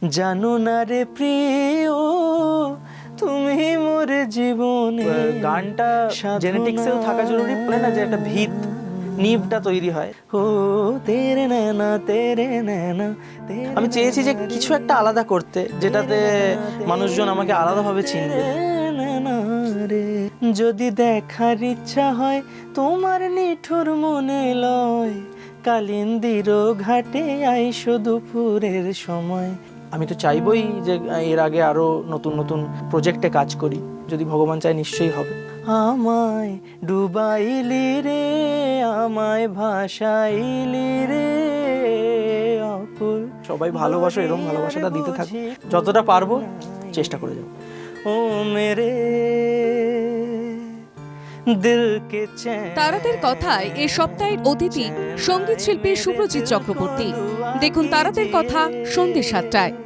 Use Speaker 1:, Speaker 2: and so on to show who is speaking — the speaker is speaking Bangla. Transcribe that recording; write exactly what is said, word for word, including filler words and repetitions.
Speaker 1: জানো না রে প্রিয় তুমি মোর জীবনে।
Speaker 2: গানটা জেনেটিক্সেও থাকা জরুরি, বলে না যে একটা ভিত নিভটা তৈরি হয়।
Speaker 1: ও তেরে নैना তেরে নैना।
Speaker 2: আমি চেয়েছি যে কিছু একটা আলাদা করতে, যেটাতে মানুষজন আমাকে আলাদাভাবে চিনবে।
Speaker 1: যদি দেখার ইচ্ছা হয় তোমার নিঠুর মনে লয়, কালিন্দির ঘাটে আইসো দুপুরের সময়।
Speaker 2: আমি তো চাইবই যে এর আগে আরো নতুন নতুন প্রজেক্টে কাজ করি, যদি ভগবান চায় নিশ্চয়ই হবে।
Speaker 1: আমায় ডুবাইলি রে, আমায় ভাসাইলি রে অকুল।
Speaker 2: সবাই ভালোবাসো, এরকম ভালোবাসাটা দিতে থাকো, যতটা পারবো চেষ্টা করে যাবো।
Speaker 1: ও মেরে দিল কে চैन।
Speaker 3: তারাদের কথায় এ সপ্তাহের অতিথি সঙ্গীত শিল্পী সুব্রজিৎ চক্রবর্তী। দেখুন তারাদের কথা সন্ধ্যে সাতটায়।